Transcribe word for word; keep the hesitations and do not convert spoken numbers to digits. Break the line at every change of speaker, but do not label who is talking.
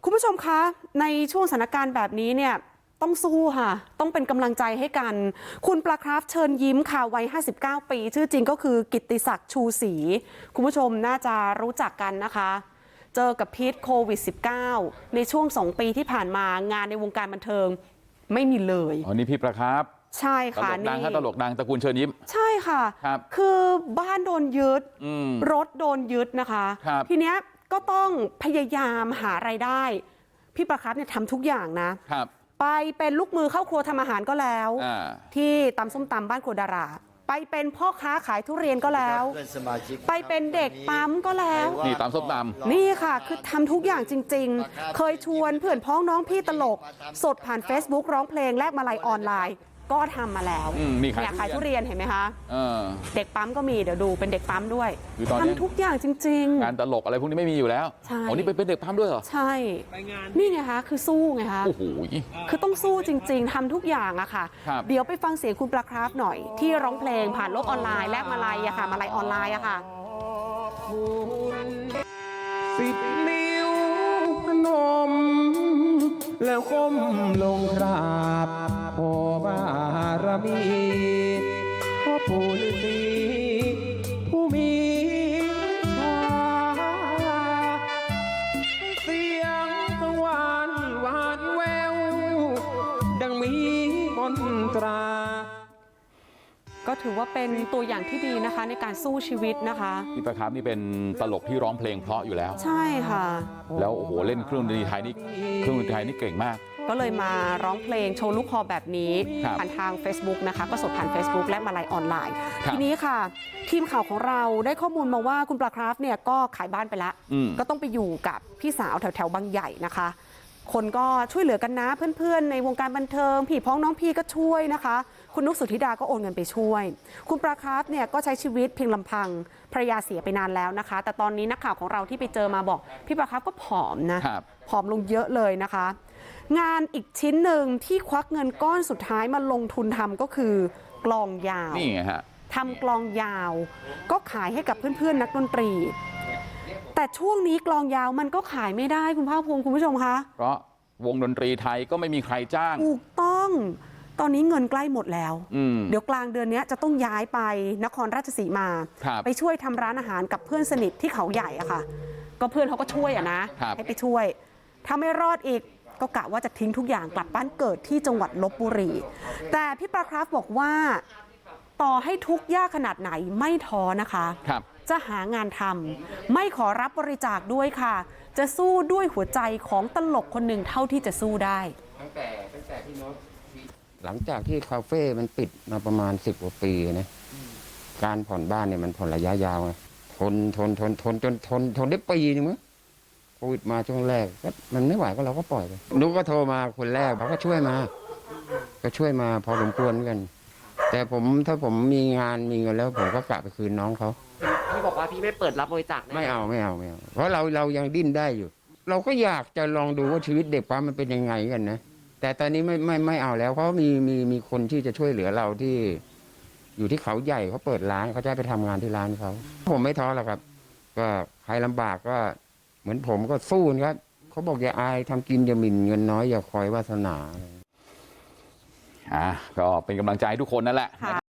คุณผู้ชมคะในช่วงสถานการณ์แบบนี้เนี่ยต้องสู้ค่ะต้องเป็นกำลังใจให้กันคุณปลาคราฟเชิญยิ้มค่ะวัยห้าสิบเก้าปีชื่อจริงก็คือกิตติศักดิ์ชูศรีคุณผู้ชมน่าจะรู้จักกันนะคะเจอกับพิษโควิด สิบเก้า ในช่วงสองปีที่ผ่านมางานในวงการบันเทิงไม่มีเลย
อ๋อนี่พี่ปลาคราฟ
ใช่ค่ะ
ตลกดังค่ะตลกดังตระกูลเชิญยิ้ม
ใช่ค่ะ
ครับ
คือบ้านโดนยึดรถโดนยึดนะคะทีเนี้ยก็ต้องพยายามหารายได้พี่ปลาคราฟเนี่ยทำทุกอย่างนะครับไปเป็นลูกมือเข้าครัวทำอาหารก็แล้วที่ตำส้มตำบ้านครัวดาราไปเป็นพ่อค้าขายทุเรียนก็แล้วไปเป็นเด็กปั๊มก็แล้ว
นี่ตำส้มตำ
นี่ค่ะคือทำทุกอย่างจริงๆเคยชวนเพื่อนพ้องน้องพี่ตลกสดผ่าน Facebook ร้องเพลงแลกมาลัยออนไลน์ก็ทำมาแล้วเนี่ยขายทุเรียนเห็นไหมคะเด็กปั๊มก็มีเดี๋ยวดูเป็นเด็กปั๊มด้วยทำทุกอย่างจริง
ๆงานตลกอะไรพวกนี้ไม่มีอยู่แล้ว
ใช่
อ๋อนี่เป็นเด็กปั๊มด้วยเหรอ
ใช่นี่ไงคะคือสู้ไงคะ
โอ้โห
คือต้องสู้จริงๆทำทุกอย่างอะค่ะเดี๋ยวไปฟังเสียงคุณปลาคราฟหน่อยที่ร้องเพลงผ่านโลกออนไลน์แลกมาลัยอะค่ะมาลัยออนไลน์อะค่ะ
สิบนิ้วพนมแล้วก้มลงกราบขอบารมีพ่อปู่ฤาษีผู้มีชาเสียงกังวานหวานแววดังมีมนตรา
ก็ถือว่าเป็นตัวอย่างที่ดีนะคะในการสู้ชีวิตนะคะ
พี่ปลาคราฟนี่เป็นตลกที่ร้องเพลงเพราะอยู่แล้ว
ใช่ค่ะ
แล้วโอ้โหเล่นเครื่องดนตรีไทยนี่เครื่องดนตรีไทยนี่เก่งมาก
ก็เลยมาร้องเพลงโชว์ลูกคอแบบนี้ผ่านทาง Facebook นะคะก็สดผ่าน Facebook และมาลัยออนไลน์ทีนี้ค่ะทีมข่าวของเราได้ข้อมูลมาว่าคุณปลาคราฟเนี่ยก็ขายบ้านไปแล้วก็ต้องไปอยู่กับพี่สาวแถวแถวบางใหญ่นะคะคนก็ช่วยเหลือกันนะเพื่อนๆในวงการบันเทิงพี่พ้องน้องพี่ก็ช่วยนะคะคุณนุกสุธิดาก็โอนเงินไปช่วยคุณปลาคราฟเนี่ยก็ใช้ชีวิตเพียงลำพังภรรยาเสียไปนานแล้วนะคะแต่ตอนนี้นักข่าวของเราที่ไปเจอมาบอกพี่ปลาคราฟก็ผอมนะผอมลงเยอะเลยนะคะงานอีกชิ้นหนึ่งที่ควักเงินก้อนสุดท้ายมาลงทุนทำก็คือกลองยาว
นี่ไงฮะ
ทำกลองยาวก็ขายให้กับเพื่อนๆนักดนตรีแต่ช่วงนี้กลองยาวมันก็ขายไม่ได้คุณภาคภูมิคุณผู้ชมคะ
เพราะวงดนตรีไทยก็ไม่มีใครจ้าง
ถูกต้องตอนนี้เงินใกล้หมดแล้วเดี๋ยวกลางเดือนนี้จะต้องย้ายไปนครราชสีมาไปช่วยทำร้านอาหารกับเพื่อนสนิทที่เขาใหญ่อะค่ะก็เพื่อนเขาก็ช่วยอะนะให้ไปช่วยถ้าไม่รอดอีกก็กะว่าจะทิ้งทุกอย่างกลับบ้านเกิดที่จังหวัดลพบุรีแต่พี่ปลาคราฟบอกว่าต่อให้ทุกข์ยากขนาดไหนไม่ท้อนะคะจะหางานทำไม่ขอรับบริจาคด้วยค่ะจะสู้ด้วยหัวใจของตลกคนหนึ่งเท่าที่จะสู้ได้
ตั้งแต่ตั้งแต่ที่โน้ตหลังจากที่คาเฟ่มันปิดมาประมาณสิบกว่าปีนะการผ่อนบ้านเนี่ยมันผ่อนระยะยาวไงทนทนทนทนจนทนทนได้ปีนึงมั้งโควิดมาช่วงแรกก็มันไม่ไหวก็เราก็ปล่อยไปนุ๊กก็โทรมาคนแรกเขาก็ช่วยมาก็ช่วยมาพอสมควรกันแต่ผมถ้าผมมีงานมีเงินแล้วผมก็กะไปคืนน้องเขา
พี่บอกว่าพี่ไม่เปิดรับบริจาค
ไม่เอาไม่เอาไม่เอาเพราะเราเรายังดิ้นได้อยู่เราก็อยากจะลองดูว่าชีวิตเด็กปั๊มมันเป็นยังไงกันนะแต่ตอนนี้ไม่ไม่ไม่เอาแล้วเพราะมีมีมีคนที่จะช่วยเหลือเราที่อยู่ที่เขาใหญ่เขาเปิดร้านเขาจะไปทำงานที่ร้านเขาผมไม่ท้อหรอกครับก็ใครลำบากก็เหมือนผมก็สู้ครับเขาบอกอย่าอายทำกินอย่าหมิ่นเงินน้อยอย่าคอยวาสนา
อ่าก็เป็นกำลังใจให้ทุกคนนั่นแหละ